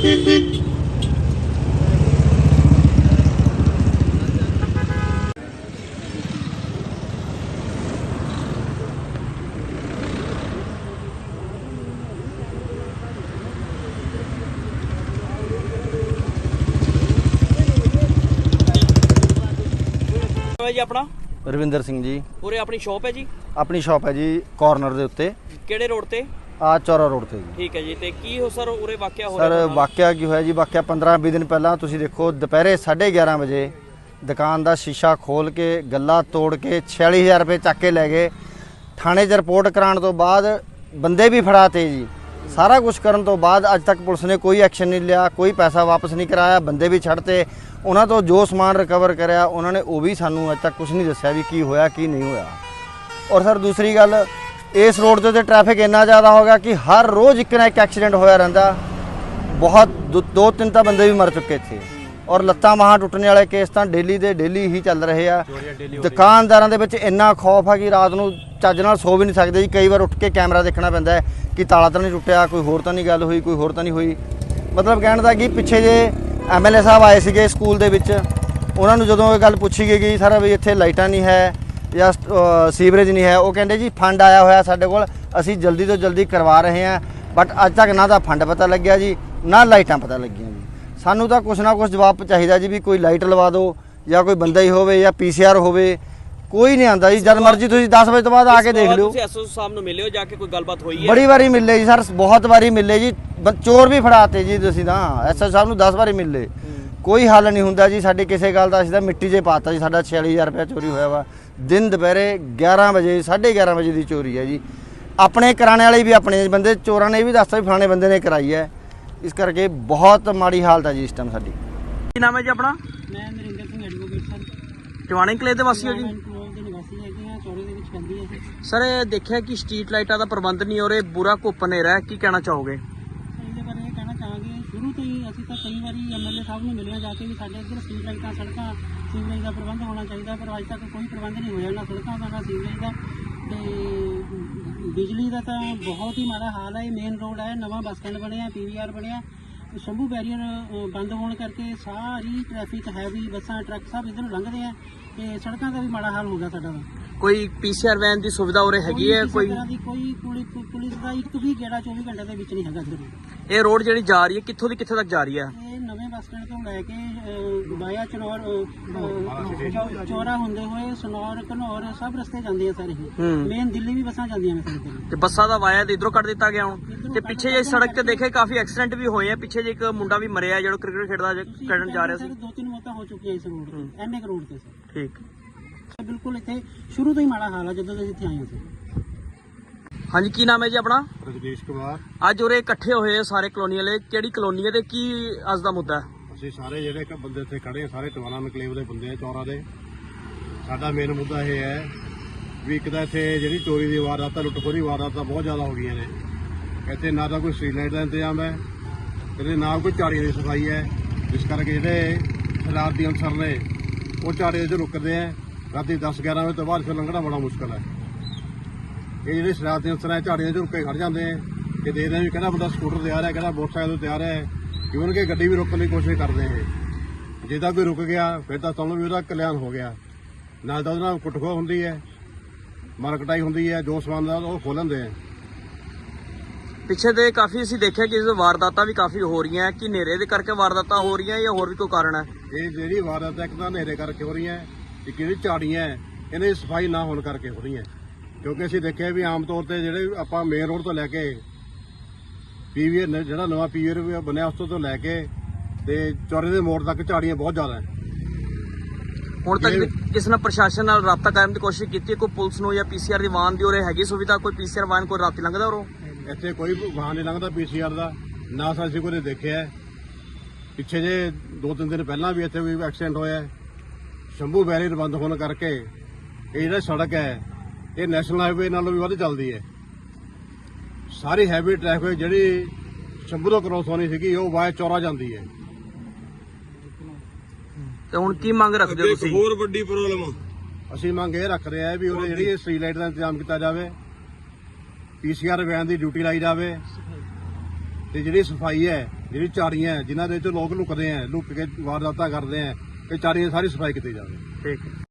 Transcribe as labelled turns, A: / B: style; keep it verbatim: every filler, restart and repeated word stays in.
A: जी अपना
B: रविंदर सिंह जी।
A: पूरे अपनी शॉप है जी?
B: अपनी शॉप है जी कॉर्नर दे उत्ते।
A: किहड़े रोड ते? आ
B: चौरा रोड ते जी।
A: ठीक है जी। ते की हो सर उरे वाकया हो
B: सर वाकया की होया जी, वाकया पंद्रह बीस दिन पहला तुसी देखो दोपहरे साढ़े ग्यारह बजे दुकान का शीशा खोल के गला तोड़ के छियाली हज़ार रुपये चक के लै गए। थाने च रिपोर्ट कराने तो बाद बंदे भी फड़ाते जी। सारा कुछ करने तो बाद अज तक पुलिस ने कोई एक्शन नहीं लिया, कोई पैसा वापस नहीं कराया, बंदे भी छड़ते। उन्होंने तो जो समान रिकवर कराया उन्होंने वो भी सानू अज तक कुछ नहीं दसिया भी की होया की नहीं होया। और सर दूसरी गल, इस रोड के उत्ते ट्रैफिक इन्ना ज़्यादा हो गया कि हर रोज़ एक ना एक एक्सीडेंट होया रहिंदा। बहुत दो, दो तीन तो बंदे भी मर चुके थे और लत्तां बाहां टुटने वाले केस तो डेली दे डेली ही चल रहे हैं। दुकानदारों के विच इन्ना खौफ है कि रात को ਚੱਜ ਨਾਲ सो भी नहीं सकते जी। कई बार उठ के कैमरा देखना पैंदा है कि ताला तो नहीं टुटिया, कोई होर तो नहीं गल हुई, कोई होर तो नहीं हुई। मतलब कहने का कि पिछे जे एम एल ए साहब आए थे स्कूल के विच, उन्होंने जो ये गल पूछी गई कि सर भी इत्थे लाइटां नहीं है या सीवरेज नहीं है, वो कहते जी फंड आया होया साडे कोल, असीं जल्दी तो जल्दी करवा रहे हैं। बट अज तक ना तो फंड पता लग्या जी, ना लाइटां पता लगियां जी। सानू तो कुछ ना कुछ जवाब चाहिए जी, भी कोई लाइट लवा दो या कोई बंदा ही होवे या पी सी आर होवे, कोई नहीं आता जी। जब मर्जी तुम दस बजे तो बाद आके देख लो।
A: एस ओ साहब नूं मिले हो जाके, कोई गलबात हुई है?
B: बड़ी बारी मिले जी सर, बहुत बारी मिले जी। चोर भी फड़ाते जी तुसीं तां एस ओ साहब नूं दस बारी मिले, कोई हल नहीं हुंदा जी साडी किसी गल दा। असीं तां मिट्टी 'च पाता जी। साडा छियाली हज़ार रुपया चोरी होया वा दिन दोपहरे ग्यारह बजे साढ़े ग्यारह बजे की चोरी है जी। अपने कराने वाले भी अपने बंदे, चोरां ने भी दसता भी फलाने बंदे ने कराई है। इस करके बहुत माड़ी हालत है जी इस टाइम साडी।
A: की नाम है जी अपना?
C: मैं नरिंदर सिंह एडवोकेट सर,
A: चवानी कले ਦੇ ਵਾਸੀ ਹੋ ਜੀ? सर देखा कि स्ट्रीट लाइटा का प्रबंध नहीं हो रहे, बुरा घुप नेरा है, की कहना चाहोगे?
C: ਇਹਦੇ ਬਾਰੇ ਇਹ ਕਹਿਣਾ ਚਾਹਾਂਗੇ, ਸ਼ੁਰੂ ਤੋਂ ਹੀ ਅਸੀਂ ਤਾਂ ਕਈ ਵਾਰੀ ਐਮ ਐਲ ਏ ਸਾਹਿਬ ਨੂੰ ਮਿਲਿਆ ਜਾ ਕੇ ਵੀ ਸਾਡੇ ਇੱਧਰ ਸਟਰੀਟ ਲਾਈਟਾਂ, ਸੜਕਾਂ, ਸੀਵਰੇਜ ਦਾ ਪ੍ਰਬੰਧ ਹੋਣਾ ਚਾਹੀਦਾ, ਪਰ ਅੱਜ ਤੱਕ ਕੋਈ ਪ੍ਰਬੰਧ ਨਹੀਂ ਹੋਇਆ ਨਾ ਸੜਕਾਂ ਦਾ ਨਾ ਸੀਵਰੇਜ ਦਾ। ਤੇ ਬਿਜਲੀ ਦਾ ਤਾਂ ਬਹੁਤ ਹੀ ਮਾੜਾ ਹਾਲ ਹੈ। ਇਹ ਮੇਨ ਰੋਡ ਹੈ, ਨਵਾਂ ਬੱਸ ਸਟੈਂਡ ਬਣਿਆ, ਪੀ ਵੀ ਆਰ ਬਣਿਆ, ਸ਼ੰਭੂ ਬੈਰੀਅਰ ਬੰਦ ਹੋਣ ਕਰਕੇ ਸਾਰੀ ਟ੍ਰੈਫਿਕ ਹੈਵੀ ਬੱਸਾਂ ਟਰੱਕ ਸਭ ਇੱਧਰੋਂ ਲੰਘਦੇ ਆ ਤੇ ਸੜਕਾਂ ਦਾ ਵੀ ਮਾੜਾ ਹਾਲ ਹੋ ਗਿਆ ਸਾਡਾ ਦਾ।
A: ਕੋਈ ਪੀਸੀਆਰ ਵੈਨ ਦੀ ਸੁਵਿਧਾ ਉਰੇ ਹੈਗੀ ਹੈ? ਕੋਈ
C: ਦੀ ਕੋਈ ਪੁਲਿਸ ਦਾ ਇੱਕ ਵੀ ਗੇੜਾ ਚੌਵੀ ਘੰਟੇ ਦੇ ਵਿੱਚ ਨਹੀਂ ਹੈਗਾ ਇੱਧਰ।
A: ਇਹ ਰੋਡ ਜਿਹੜੀ ਜਾ ਰਹੀ ਹੈ ਕਿੱਥੋਂ ਦੀ ਕਿੱਥੇ ਤੱਕ ਜਾ ਰਹੀ ਹੈ?
C: ਇਹ ਨਵੇਂ ਬੱਸ ਸਟੈਂਡ ਤੋਂ ਲੈ ਕੇ ਬਾਇਆ ਚਨੌਰ ਚੌਰਾ ਹੁੰਦੇ ਹੋਏ ਸਨੌਰ ਘਨੌਰ ਸਭ ਰਸਤੇ ਜਾਂਦੇ ਆ ਸਾਰੇ। ਮੇਨ ਦਿੱਲੀ ਵੀ ਬੱਸਾਂ ਜਾਂਦੀਆਂ ਨੇ ਸਾਡੇ
A: ਤੇ ਬੱਸਾਂ ਦਾ ਵਾਇਆ ਤੇ ਇਧਰੋਂ ਕੱਢ ਦਿੱਤਾ ਗਿਆ ਹੁਣ। ਤੇ ਪਿੱਛੇ ਜੇ ਸੜਕ ਤੇ ਦੇਖੇ ਕਾਫੀ ਐਕਸੀਡੈਂਟ ਵੀ ਹੋਏ ਆ। ਪਿੱਛੇ ਜੇ ਇੱਕ ਮੁੰਡਾ ਵੀ ਮਰਿਆ ਜਿਹੜਾ ਕ੍ਰਿਕਟ ਖੇਡਦਾ ਖੇਡਣ ਜਾ ਰਿਹਾ ਸੀ।
C: ਦੋ ਤਿੰਨ ਮੌਤਾਂ ਹੋ ਚੁੱਕੀਆਂ ਇਸ ਰੋਡ ਤੇ, ਐਨ ਏ ਰੋਡ ਤੇ ਸਰ।
A: ਠੀਕ,
C: ਬਿਲਕੁਲ ਇੱਥੇ ਸ਼ੁਰੂ ਤੋਂ ਹੀ ਮਾੜਾ ਹਾਲ ਆ ਜਦੋਂ ਅਸੀਂ ਇੱਥੇ ਆਏ ਸੀ।
A: ਹਾਂਜੀ, ਕੀ ਨਾਮ ਹੈ ਜੀ ਆਪਣਾ?
D: ਰਜਨੀਸ਼ ਕੁਮਾਰ।
A: ਅੱਜ ਉਰੇ ਇਕੱਠੇ ਹੋਏ ਸਾਰੇ ਕਲੋਨੀ ਵਾਲੇ, ਕਿਹੜੀ ਕਲੋਨੀ ਹੈ ਤੇ ਕੀ ਅੱਜ ਦਾ ਮੁੱਦਾ ਹੈ?
D: ਅਸੀਂ ਸਾਰੇ ਜਿਹੜੇ ਇੱਕ ਬੰਦੇ ਇੱਥੇ ਖੜੇ ਸਾਰੇ ਟਵਾਣਾ ਨਕਲੇਵ ਦੇ ਬੰਦੇ ਆ, ਚੌਰਾਂ ਦੇ। ਸਾਡਾ ਮੇਨ ਮੁੱਦਾ ਇਹ ਹੈ ਵੀ ਇੱਕ ਤਾਂ ਇੱਥੇ ਜਿਹੜੀ ਚੋਰੀ ਦੀ ਵਾਰਦਾਤਾਂ, ਲੁੱਟਖੋਰੀ ਵਾਰਦਾਤਾਂ ਬਹੁਤ ਜ਼ਿਆਦਾ ਹੋ ਗਈਆਂ ਨੇ। ਇੱਥੇ ਨਾ ਤਾਂ ਕੋਈ ਸਟਰੀਟ ਲਾਈਟ ਦਾ ਇੰਤਜ਼ਾਮ ਹੈ ਤੇ ਨਾ ਕੋਈ ਝਾੜੀਆਂ ਦੀ ਸਫਾਈ ਹੈ, ਜਿਸ ਕਰਕੇ ਜਿਹੜੇ ਸ਼ਰਾਰਤੀ ਅਨਸਰ ਨੇ ਉਹ ਝਾੜੀਆਂ 'ਚ ਰੁਕਦੇ ਆ। ਰਾਤੀ ਦਸ ਗਿਆਰਾਂ ਵਜੇ ਤੋਂ ਬਾਅਦ ਫਿਰ ਲੰਘਣਾ ਬੜਾ ਮੁਸ਼ਕਲ ਹੈ। ਇਹ ਜਿਹੜੇ ਸ਼ਰਾਰਤੀ ਅਨਸਰ ਹੈ ਝਾੜੀਆਂ 'ਚ ਰੁਕ ਕੇ ਖੜ ਜਾਂਦੇ ਆ ਕਿ ਦੇਖਦੇ ਵੀ ਕਿਹੜਾ ਬੰਦਾ ਸਕੂਟਰ ਤੇ ਆ ਰਿਹਾ, ਕਿਹੜਾ ਮੋਟਰਸਾਈਕਲ ਤੇ ਆ ਰਿਹਾ, ਇਵਨ ਕਿ ਗੱਡੀ ਵੀ ਰੋਕਣ ਦੀ ਕੋਸ਼ਿਸ਼ ਕਰਦੇ ਆ। ਜੇ ਤਾਂ ਕੋਈ ਰੁਕ ਗਿਆ ਫਿਰ ਤਾਂ ਤੁਹਾਨੂੰ ਵੀ ਉਹਦਾ ਕਲਿਆਣ ਹੋ ਗਿਆ। ਨਾਲ ਤਾਂ ਉਹਦੇ ਨਾਲ ਕੁੱਟਖੋ ਹੁੰਦੀ ਹੈ, ਮਾਰਕਟਾਈ ਹੁੰਦੀ ਹੈ, ਜੋ ਸਮਾਨ ਦਾ ਉਹ ਖੋਹ ਲੈਂਦੇ ਆ।
A: ਪਿੱਛੇ ਦੇ ਕਾਫੀ ਅਸੀਂ ਦੇਖਿਆ ਕਿ ਵਾਰਦਾਤਾਂ ਵੀ ਕਾਫੀ ਹੋ ਰਹੀਆਂ। ਕਿ ਹਨੇਰੇ ਦੇ ਕਰਕੇ ਵਾਰਦਾਤਾਂ ਹੋ ਰਹੀਆਂ ਜਾਂ ਹੋਰ ਵੀ ਕੋਈ ਕਾਰਨ ਹੈ?
D: ਇਹ ਜਿਹੜੀ ਵਾਰਦਾਤ ਇੱਕ ਤਾਂ ਹਨੇਰੇ ਕਰਕੇ ਹੋ ਰਹੀਆਂ, ਇੱਕ ਜਿਹੜੀ ਝਾੜੀਆਂ ਇਹਨਾਂ ਦੀ ਸਫਾਈ ਨਾ ਹੋਣ ਕਰਕੇ ਹੋ ਰਹੀਆਂ। ਕਿਉਂਕਿ ਅਸੀਂ ਦੇਖਿਆ ਵੀ ਆਮ ਤੌਰ ਤੇ ਜਿਹੜੇ ਆਪਾਂ ਮੇਨ ਰੋਡ ਤੋਂ ਲੈ ਕੇ ਪੀਵੀਆਰ ਜਿਹੜਾ ਨਵਾਂ ਪੀਵੀਆਰ ਬਣਿਆ ਉਸ ਤੋਂ ਲੈ ਕੇ ਤੇ ਚੌਰੇ ਦੇ ਮੋੜ ਤੱਕ ਝਾੜੀਆਂ ਬਹੁਤ ਜ਼ਿਆਦਾ ਹੈ।
A: ਹੁਣ ਤੱਕ ਕਿਸ ਨਾਲ ਪ੍ਰਸ਼ਾਸਨ ਨਾਲ ਰਾਬਤਾ ਕਰਨ ਦੀ ਕੋਸ਼ਿਸ਼ ਕੀਤੀ? ਕੋਈ ਪੁਲਿਸ ਨੂੰ ਜਾਂ ਪੀਸੀਆਰ ਦੀ ਵਾਹਨ ਦੀ ਉਰੇ ਹੈਗੀ ਸੁਵਿਧਾ? ਕੋਈ ਪੀਸੀਆਰ ਵਾਹਨ ਕੋਈ ਰਾਤੀ ਲੰਘਦਾ ਉਰੋਂ?
D: ਇੱਥੇ ਕੋਈ ਵਾਹਨ ਨਹੀਂ ਲੰਘਦਾ ਪੀਸੀਆਰ ਦਾ, ਨਾ ਅਸੀਂ ਕੋਈ ਦੇਖਿਆ। ਪਿੱਛੇ ਜੇ ਦੋ ਤਿੰਨ ਦਿਨ ਪਹਿਲਾਂ ਵੀ ਇੱਥੇ ਕੋਈ ਐਕਸੀਡੈਂਟ ਹੋਇਆ। ਸ਼ੰਭੂ ਬੈਰੀਅਰ ਬੰਦ ਹੋਣ ਕਰਕੇ ਇਹ ਜਿਹੜਾ ਸੜਕ ਹੈ ਇਹ ਨੈਸ਼ਨਲ ਹਾਈਵੇ ਨਾਲੋਂ ਵੀ ਵੱਧ ਚੱਲਦੀ ਹੈ। ਸਾਰੀ ਹੈਵੀ ਟ੍ਰੈਫਿਕ ਜਿਹੜੀ ਸ਼ੰਭੂ ਤੋਂ ਕ੍ਰੋਸ ਹੋਣੀ ਸੀਗੀ ਉਹ ਵਾਇਆ ਚੌਰਾ ਜਾਂਦੀ ਹੈ।
A: ਤੇ ਹੁਣ ਕੀ ਮੰਗ ਰੱਖਦੇ ਹੋ ਤੁਸੀਂ?
D: ਹੋਰ ਵੱਡੀ ਪ੍ਰੋਬਲਮ ਅਸੀਂ ਮੰਗ ਇਹ ਰੱਖ ਰਹੇ ਆ ਵੀ ਉਹਦੇ ਜਿਹੜੀ ਸਟਰੀਟ ਲਾਈਟ ਦਾ ਇੰਤਜ਼ਾਮ ਕੀਤਾ ਜਾਵੇ, ਪੀਸੀਆਰ ਵੈਨ ਦੀ ਡਿਊਟੀ ਲਾਈ ਜਾਵੇ ਤੇ ਜਿਹੜੀ ਸਫਾਈ ਹੈ ਜਿਹੜੀ ਝਾੜੀਆਂ ਹੈ, ਜਿਨ੍ਹਾਂ ਦੇ ਵਿੱਚ ਲੋਕ ਲੁਕਦੇ ਆ, ਲੁੱਕ ਕੇ ਵਾਰਦਾਤਾਂ ਕਰਦੇ ਆ, ਇਹ ਝਾੜੀਆਂ ਸਾਰੀ ਸਫਾਈ ਕੀਤੀ ਜਾਵੇ।
A: ਠੀਕ ਹੈ।